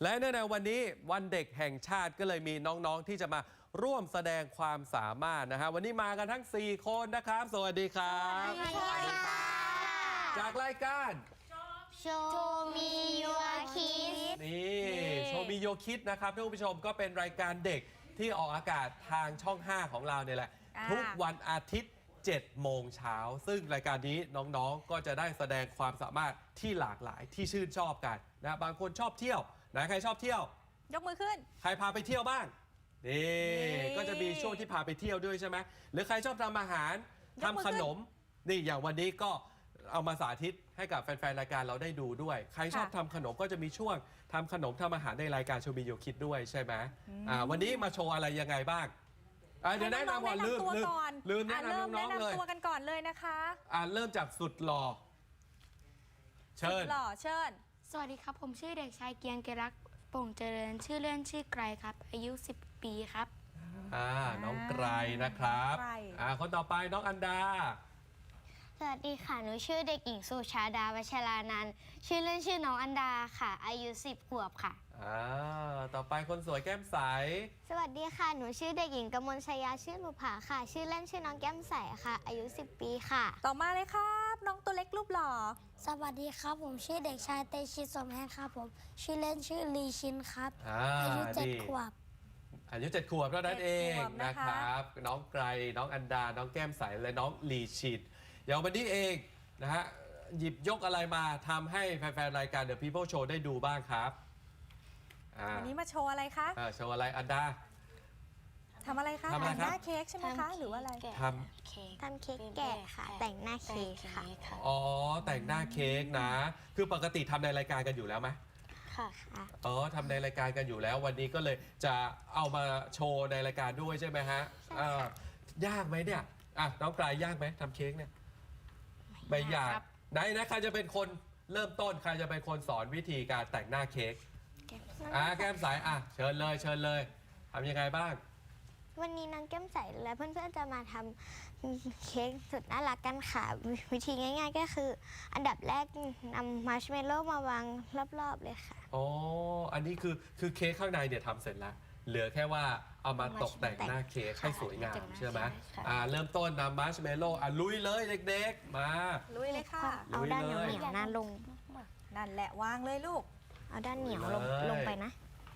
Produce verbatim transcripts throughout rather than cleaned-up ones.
และเนื่องในวันนี้วันเด็กแห่งชาติก็เลยมีน้องๆที่จะมาร่วมแสดงความสามารถนะฮะวันนี้มากันทั้งสี่คนนะครับสวัสดีครับสวัสดีค่ะจากรายการโชว์มีโยคิดนี่โชว์มีโยคิดนะครับท่านผู้ชมก็เป็นรายการเด็กที่ออกอากาศทางช่องห้าของเราเนี่ยแหละทุกวันอาทิตย์เจ็ดโมงเช้าซึ่งรายการนี้น้องๆก็จะได้แสดงความสามารถที่หลากหลายที่ชื่นชอบกันนะบางคนชอบเที่ยวนะใครชอบเที่ยวยกมือขึ้นใครพาไปเที่ยวบ้างนี่ก็จะมีช่วงที่พาไปเที่ยวด้วยใช่ไหมหรือใครชอบทำอาหารทำขนมนี่อย่างวันนี้ก็เอามาสาธิตให้กับแฟนๆรายการเราได้ดูด้วยใครชอบทำขนมก็จะมีช่วงทำขนมทำอาหารในรายการโชว์มีโยคิดด้วยใช่ไหมอ่าวันนี้มาโชว์อะไรยังไงบ้างเดี๋ยวแนะนำก่อนลืมลืมลืมแนะนำน้องๆเลยแนะนำตัวกันก่อนเลยนะคะอ่าเริ่มจากสุดหล่อเชิญสุดหล่อเชิญสวัสดีครับผมชื่อเด็กชายเกียงเกรักโป่งเจริญชื่อเล่นชื่อไกรครับอายุสิบปีครับอ่าน้องไกรนะครับอ่าคนต่อไปน้องอันดาสวัสดีค่ะหนูชื่อเด็กหญิงสุชาดาวัชรานันท์ชื่อเล่นชื่อน้องอันดาค่ะอายุสิบขวบค่ะอ่าต่อไปคนสวยแก้มใสสวัสดีค่ะหนูชื่อเด็กหญิงกมลชยาชื่อหนูผาค่ะชื่อเล่นชื่อน้องแก้มใสค่ะอายุสิบปีค่ะต่อมาเลยครับน้องตัวเล็กรูปหล่อสวัสดีครับผมชื่อเด็กชายเตชิตสมแหงครับผมชื่อเล่นชื่อลีชินครับอายุเจ็ดขวบอายุเจ็ดขวบเท่านั้นเองนะครับน้องไกรน้องอันดาน้องแก้มใสและน้องลีชินอย่างวันนี้เองนะฮะหยิบยกอะไรมาทำให้แฟนๆรายการ The People Show ได้ดูบ้างครับวันนี้มาโชว์อะไรคะโชว์อะไรอันดาทำอะไรคะแต่งหน้าเค้กใช่ไหมคะหรือว่าอะไรทำเค้กทำเค้กแกะค่ะแต่งหน้าเค้กค่ะอ๋อแต่งหน้าเค้กนะคือปกติทำในรายการกันอยู่แล้วไหมค่ะอ๋อทำในรายการกันอยู่แล้ววันนี้ก็เลยจะเอามาโชว์ในรายการด้วยใช่ไหมฮะยากไหมเนี่ยอ่ะน้องกลายยากไหมทำเค้กเนี่ยไม่ยากไหนนะใครจะเป็นคนเริ่มต้นใครจะเป็นคนสอนวิธีการแต่งหน้าเค้กอ่ะแก้มใสอ่ะเชิญเลยเชิญเลยทำยังไงบ้างวันนี้น้องแก้มใสและเพื่อนๆจะมาทำเค้กสุดน่ารักกันค่ะวิธีง่ายๆก็คืออันดับแรกนำมาร์ชเมลโล่มาวางรอบๆเลยค่ะอ๋ออันนี้คือคือเค้กข้างในเนี่ยทำเสร็จแล้วเหลือแค่ว่าเอามาตกแต่งหน้าเค้กให้สวยงามใช่ไหมอ่าเริ่มต้นนำมาร์ชเมลโล่อ่ะลุยเลยเด็กๆมาลุยเลยค่ะเอาด้านเหนียวเหนียวนั่นลงนั่นแหละวางเลยลูกเอาด้านเหนียวลงลงไปนะ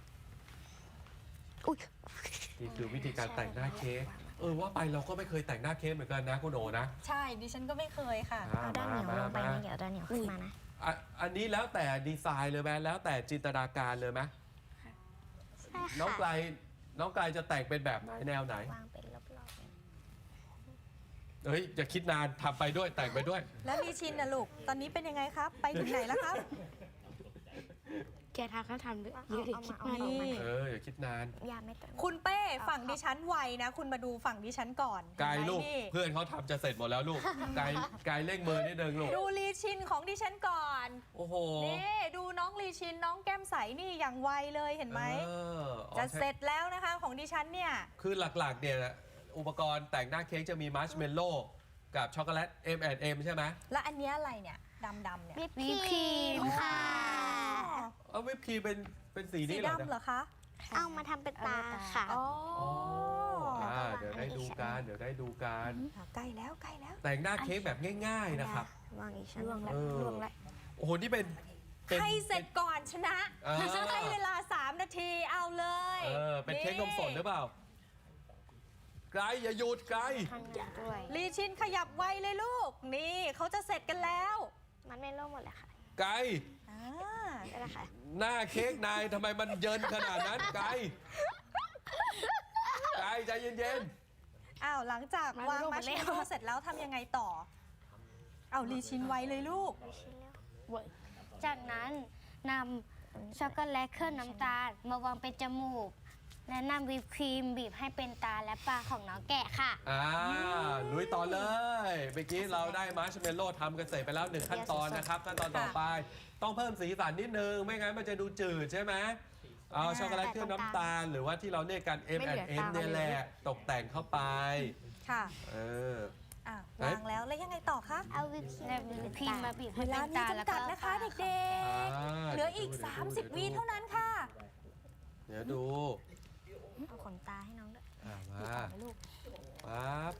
อุ้ยนี่คือวิธีการแต่งหน้าเค้กเออว่าไปเราก็ไม่เคยแต่งหน้าเค้กเหมือนกันนะคุณโอนะใช่ดิฉันก็ไม่เคยค่ะเอาด้านเหนียวลงไปนะเดี๋ยวด้านเหนียวขึ้นมานะอันนี้แล้วแต่ดีไซน์เลยไหมแล้วแต่จินตนาการเลยไหมน้องไกลน้องไกลจะแต่งเป็นแบบไหนแนวไหนวางเป็นรอบๆเฮ้ยอย่าคิดนานทำไปด้วยแต่งไปด้วยแล้วลีชินนะลูกตอนนี้เป็นยังไงครับไปถึงไหนแล้วครับแกทำเขาทำเยอะเลยคิดนานเอออย่าคิดนานอย่าไม่ต้องคุณเป้ฝั่งดิฉันไวนะคุณมาดูฝั่งดิฉันก่อนไกลลูกเพื่อนเขาทำจะเสร็จหมดแล้วลูกไกลไกลเร่งมือนิดนึงลูกดูลีชินของดิฉันก่อนโอ้โหนี่ดูน้องลีชินน้องแก้มใสนี่อย่างไวเลยเห็นไหมจะเสร็จแล้วนะคะของดิฉันเนี่ยคือหลักๆเนี่ยอุปกรณ์แต่งหน้าเค้กจะมีมาร์ชเมลโล่กับช็อกโกแลต เอ็ม แอนด์ เอ็ม ใช่ไหมแล้วอันนี้อะไรเนี่ยดำๆเนี่ยวิปครีมค่ะเอาวิปครีมเป็นเป็นสีนี้เหรอสีดำเหรอคะเอามาทำเป็นตาค่ะอ๋อเดี๋ยวได้ดูกันเดี๋ยวได้ดูกันใกล้แล้วใกล้แล้วแต่งหน้าเค้กแบบง่ายๆนะครับวางอีกชั้นล่วงแล้วล่วงแล้วโอ้โหนี่เป็นใครเสร็จก่อนชนะให้เวลาสามนาทีเอาเลยเออเป็นเค้กนมสดหรือเปล่าไกลอย่าหยุดไกลลีชินขยับไวเลยลูกนี่เขาจะเสร็จกันแล้วมันไม่ล่วงหมดเลยค่ะไกลได้แล้วค่ะหน้าเค้กนายทำไมมันเยินขนาดนั้นไกลไกลใจเย็นๆอ้าวหลังจากวางมัชเมลโล่เสร็จแล้วทำยังไงต่อเอาลีชินไวเลยลูกจากนั้นนำช็อกโกแลตเคลือบน้ำตาลมาวางเป็นจมูกและนำวิปครีมบีบให้เป็นตาและปากของน้องแกะค่ะอ่าลุยต่อเลยเมื่อกี้เราได้มาร์ชเมลโล่ทำกันเสร็จไปแล้วหนึ่งขั้นตอนนะครับขั้นตอนต่อไปต้องเพิ่มสีสันนิดนึงไม่งั้นมันจะดูจืดใช่ไหมเอาช็อกโกแลตเคลือบน้ำตาลหรือว่าที่เราเรียกกัน เอ็ม แอนด์ เอ็ม เนี่ยแหละตกแต่งเข้าไปค่ะเออวางแล้วแล้วยังไงต่อคะเอาวิปครีมมาบีบให้เป็นตาแล้วก็นะคะเด็กๆเหลืออีกสามสิบวิเท่านั้นค่ะเดี๋ยวดูเอาขนตาให้น้องด้วยอ่ะมาเอาไปลูกปั๊บ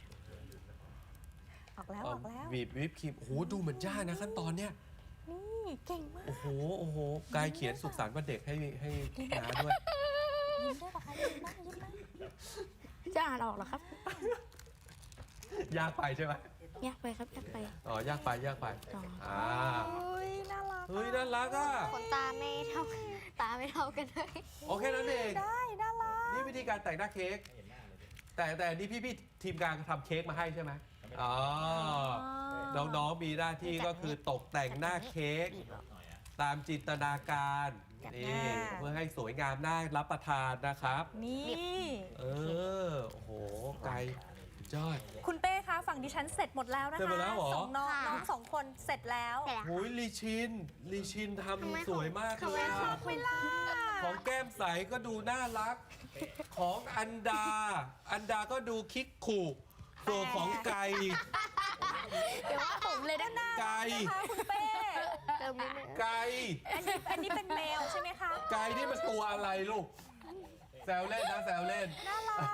ออกแล้วออกแล้วบีบวิปครีมโอ้โหดูเหมือนยากนะขั้นตอนเนี้ยนี่เก่งมากโอ้โหโอ้โหกายเขียนสุขสันต์วันเด็กให้ให้น้าด้วยยิ้มด้วยปะคะยิ้มไหมยิ้มไหมจะอ่านออกเหรอครับยากไปใช่ไหมยากไปครับยากไปอ๋อยากไปยากไปอ๋ออ่าเฮ้ยน่ารักเฮ้ยน่ารักอ่ะขนตาไม่เท่าตาไม่เท่ากันเลยโอเคนั่นเองได้น่ารักนี่วิธีการแต่งหน้าเค้กแต่แต่นี่พี่พี่ๆทีมงานทำเค้กมาให้ใช่ไหมอ๋อน้องๆมีหน้าที่ก็คือตกแต่งหน้าเค้กตามจินตนาการนี่เพื่อให้สวยงามน่ารับประทานนะครับนี่เออโอ้โหไกลยอดคุณเป้คะฝั่งดิฉันเสร็จหมดแล้วนะเสร็จหมคะดแล้วเหรอสองน้องน้องสองคนเสร็จแล้วแต่ละโอ้ยลีชินลีชินททำไมำสวยมากทำเลไมยขออะงคุณของแก้มใสก็ดูน่ารัก ของอันดา อันดาก็ดูคิกขู่ส่วนของไก่เดี๋ยวว่าผมเลยด้านหน้าไก่นะคะคุณเป้เติมนิดนึงไก่อันนี้อันนี้เป็นแมวใช่ไหมคะไก่นี่มันตัวอะไรลูก แซวเล่นนะแซวเล่นน่ารัก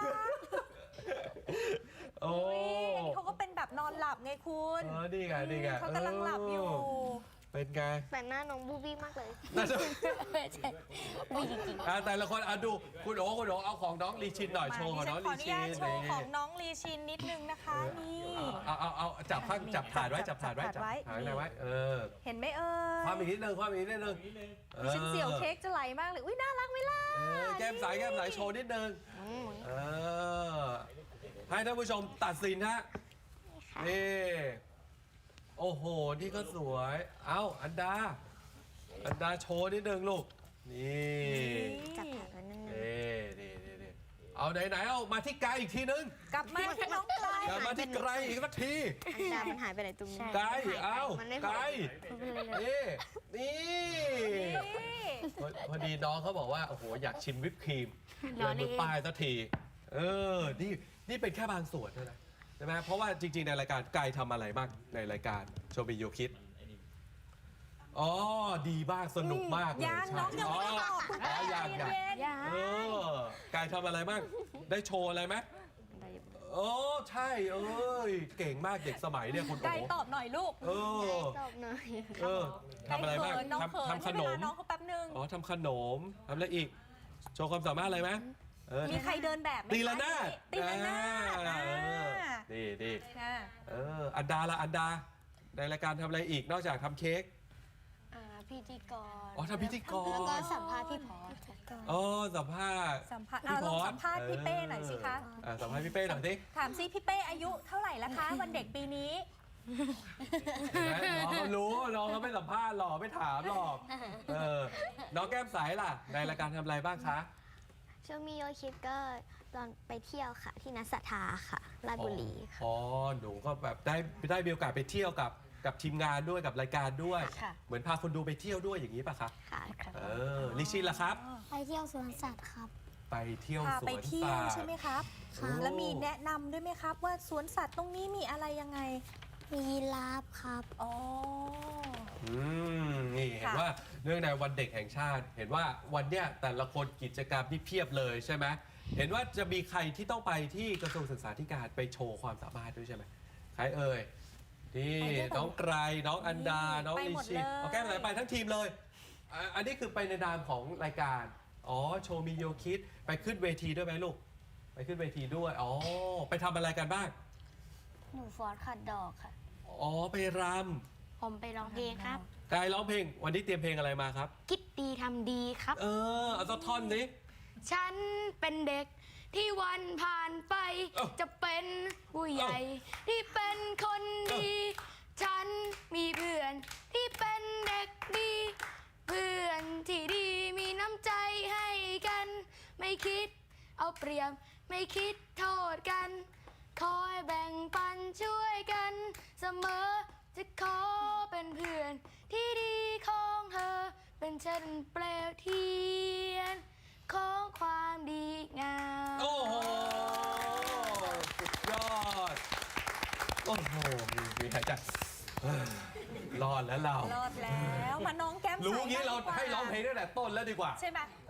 โอ้อันนี้เขาก็เป็นแบบนอนหลับไงคุณเออนี่ไงนี่ไงเขากำลังหลับอยู่เเป็นไงแต่หน้าน้องบูบี้มากเลยน่าจะใช่ไม่จริงอ่ะแต่ละคนอ่ะดูคุณโอ๋คุณโอ๋เอาของน้องลีชินหน่อยโชว์ของน้องขอลีอนุชิญาน ตโชว์ของน้องลีชินนิดนึงนะคะ นี่เอาเอาเอาจับข้างจับถาดไว้จับถาดไว้จัจับบ ถาดไว้ถาดไหนไว้ เออเห็นไหมเอ่ยความอีกนิดนึงความอีกนิดนึงออดิฉันเสียวเค้กจะไหลมากเลย อุ้ยน่ารักไหมล่ะเออแก้มใสแก้มใสโชว์นิดนึงเออให้ท่านผู้ชมตัดสินฮะนี่โอ้โห นี่ก็สวย เอ้า อันดา อันดาโชว์นิดนึงลูก นี่จับแผลไว้นิดนึงนี่นี่นี่นี่เอาไหนไหนเอามาที่ไกลอีกทีนึงกลับมาที่น้องไกลกลับมาที่ไกลอีกสักทีอันดามันหายไปไหนตรงนี้ไกลเอ้ามันไม่ไกลพอนี่นี่นี่พอพอดีน้องเขาบอกว่า โอ้โห อยากชิมวิปครีมรอเดินนี่มือป้ายสักที เออ นี่ นี่เป็นแค่บางส่วนเท่านั้นใช่ไหมเพราะว่าจริง ๆ ในรายการไกายทำอะไรบ้างในรายการโชบิโยคิด อ๋อ ดีมาก สนุกมากเลยยังใช่น้องยังไม่ได้ตอบคุณอ๋แม่อยังยังเย็นๆอย่าเออกายทำอะไรบ้าง ได้โชว์อะไรไหมโอ้ใช่ เอ้ย เก่งมากเด็กสมัยเนี่ยคุณๆไกลโอ๋ตอบหน่อยลูกเออตอบหน่อยเออทำอะไรบ้างไกลเขินน้องเขินทำทำขนมให้เวลาน้องเขาแป๊บนึงอ๋อทำขนมทำอะไรอีก โชว์ความสามารถอะไรไหมเออมีใครเดินแบบไหมตีละนาดตีละนาดอ่าอ่านี่นี่อ่าเอออันดาละอันดา ในรายการทำอะไรอีกนอกจากทำเค้กอ่าพิธีกรอ๋อทำพิธีกรแล้วก็สัมภาษณ์พี่พอสอ๋อสัมภาษณ์สัมภาษณ์พี่อ่ะลองพรสัมภาษณ์พี่เป้หน่อยสิคะเอออ่ะสัมภาษณ์พี่เป้หน่อยสิถามซิพี่เป้อายุเท่าไหร่ละคะ วันเด็กปีนี้เห็นไหมน้องเขารู้น้องเขาไม่สัมภาษณ์หรอกไม่ถามหรอกเออน้องแก้มใสล่ะ ในรายการทำอะไรบ้างคะช่วงมีโยคิดก็ตอนไปเที่ยวค่ะ ที่นัสสัทธาค่ะราชบุรีค่ะอ๋อหนูก็แบบได้ได้มีโอกาสไปเที่ยวกับกับทีมงานด้วยกับรายการด้วยค่ะเหมือนพาคนดูไปเที่ยวด้วยอย่างนี้ป่ะคะค่ะเออลิชินล่ะครับไปเที่ยวสวนสัตว์ครับไปเที่ยวพาสไปวนเที่ยสัวตใช่ว์ไหมครับค่ะแล้วมีแนะนำด้วยไหมครับ ว่าสวนสัตว์ตรงนี้มีอะไรยังไงมียีราฟครับอ๋ออืมนี่เห็นค่ะว่าเนื่องในวันเด็กแห่งชาติ เห็นว่าวันเนี้ยแต่ละคนกิจกรรมที่เพียบเลยใช่ไหมเห็นว่าจะมีใครที่ต้องไปที่กระทรวงศึกษาธิการไปโชว์ความสามารถด้วยใช่ไหมใครเอ่ยนี่ไปด้วยกันน้องไกรน้องอันดา น้องไปลิหมดชินเลยเอาแก้มไหนไปทั้งทีมเลยอ่ะอันนี้คือไปในนามของรายการอ๋อโชว์มีโยคิดไปขึ้นเวทีด้วยไหมลูกไปขึ้นเวทีด้วยอ๋อไปทำอะไรกันบ้างหนูฟอสขัดดอกค่ะอ๋อไปรผมไปร้องเพลงครับำกายร้องเพลง วันนี้เตรียมเพลงอะไรมาครับคิดดีทำดีครับเออเอาสักท่อนนี้ฉันเป็นเด็กที่วันผ่านไปเอ้าจะเป็นผู้ใหญ่ ที่เป็นคนดี ฉันมีเพื่อนที่เป็นเด็กดี เพื่อนที่ดีมีน้ำใจให้กัน ไม่คิดเอาเปรียบไม่คิดโทษกัน คอยแบ่งปันช่วยกันเสมอจะขอเป็นเพื่อนที่ดีของเธอ เป็นเช่นเปลวเทียนของความดีงามโอ้โห สุดยอด โอ้โห มีมีหายใจเอ้ยรอดแล้วเรารอดแล้ว มาน้องแก้มใสรู้งี้เราดีกว่ให้ร้องเพลงตั้งแต่ต้นแล้วดีกว่าใช่ไหมค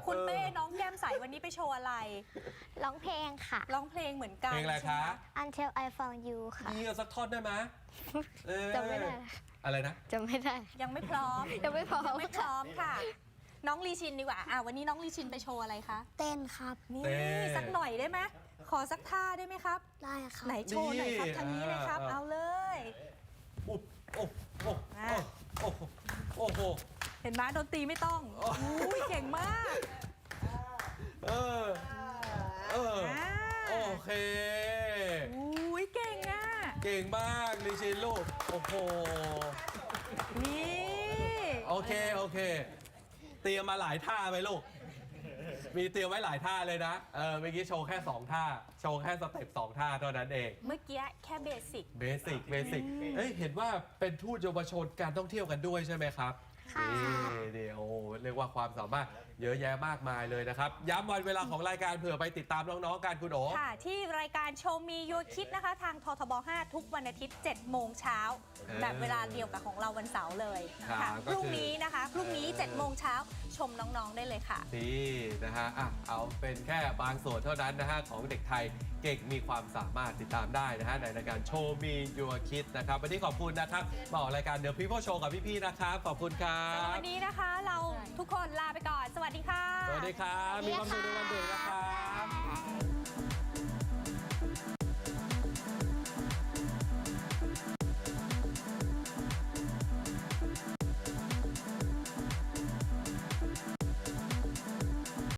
คุณเออเป้น้องแก้มใสวันนี้ไปโชว์อะไรร้องเพลงค่ะร้องเพลงเหมือนกันเพลงอะไรใช่คะไหม Until I Found You ค่ะมีเอาสักท่อนได้ไหมเออจำไม่ได้อะไรนะจำไม่ได้ยังไม่พร้อมยังไม่พร้อมยังไม่พร้อมค่ะ น้องลีชินดีกว่าอ่ะวันนี้น้องลีชินไปโชว์อะไรคะเต้นครับนี่เต้สักหน่อยได้ไหมขอสักท่าได้ไหมครับได้ครับไหนโชว์หน่อยครับนี่ทางนี้เลยครับอ่าเอาเลยอุ๊บโอ้โอ้อ่ะโอ้โอ้โหเห็นไหมดนตรีไม่ต้องโอ้อุ้ยเก่งมากเออเอออ่าโอเคอุ้ยเก่งอ่ะเก่งมากลิชินลูกโอ้โหนี่โอเคโอเค เตรียมมาหลายท่าไหมลูก มีเตรียมไว้หลายท่าเลยนะ เออเมื่อกี้โชว์แค่สองท่า โชว์แค่สเต็ปสองท่าเท่านั้นเองเมื่อกี้แค่เบสิกเบสิกเบสิกเอ้ยเห็นว่าเป็นทูตเยาวชนการท่องเที่ยวกันด้วยใช่ไหมครับค่ะนี่เดี๋ยวเรียกว่าความสามารถเยอะแยะมากมายเลยนะครับ ย้ำวันเวลาของรายการเผื่อไปติดตามน้องๆกันคุณโอค่ะ ที่รายการโชว์มียูคิดนะคะ ทางททบ ห้า ทุกวันอาทิตย์เจ็ดโมงเช้าเออแบบเวลาเดียวกับของเราวันเสาร์เลยครัค่ะบพก็คือรุ่งนี้นะคะพรุ่งนี้เจ็ดโมงเช้าชมน้องๆได้เลยค่ะนี่นะฮะอ่ะเอาเป็นแค่บางส่วนเท่านั้นนะฮะของเด็กไทยเก่งมีความสามารถติดตามได้นะฮะในรายการโชว์มียูคิดนะครับวันนี้ขอบคุณนะครับมาออกรายการเดี๋ยวพี่พ่อโชว์กับพี่ๆนะครับขอบคุณครัสำหรับบ วันนี้นะคะเราทุกคนลาไปก่อน สวัสดีค่ะสวัสดีครับ มีความสุขในวันเด็กนะครับ